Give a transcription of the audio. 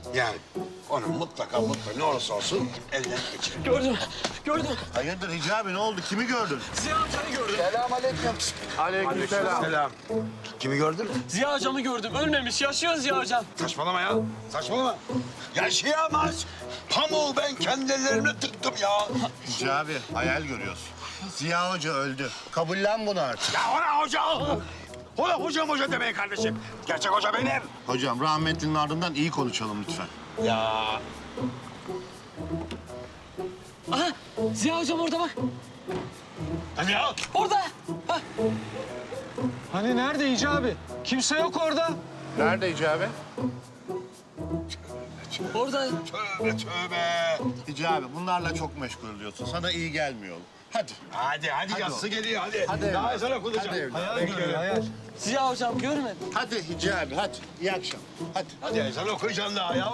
Yani onu mutlaka ne olursa olsun elden geçirin. Gördüm. Hayırdır Hicabi, ne oldu? Kimi gördün? Ziya amcanı gördüm. Aleykümselam. Kimi gördün? Ziya hocamı gördüm. Ölmemiş, yaşıyor Ziya hocam. Saçmalama ya. Saçmalama. Yaşayamaz. Pamuğu ben kendi ellerimle tıktım ya. Hicabi, hayal görüyorsun. Ziya Hoca öldü. Kabullen bunu artık. Ya ona hoca. Ona hoca demeyin kardeşim. Gerçek hoca benim. Hocam, rahmetlinin ardından iyi konuşalım lütfen. Ya Aha, Ziya hocam orada bak. hadi ya. Orada. Bak. Hani nerede Hicabi? Kimse yok orada. Nerede Hicabi? Orada. Tövbe. Hicabi, bunlarla çok meşgul oluyorsun. Sana iyi gelmiyor. Hadi. Hadi yatsı oğlum. geliyor hadi. Hadi Daha evladım. ezan okunacak. Hadi evladım. Hayal görüyor, hayal. Ziya hocam görmedim. Hadi Hicabi, hadi. İyi akşam. Hadi. Hadi ezan okuyacaksın daha ya.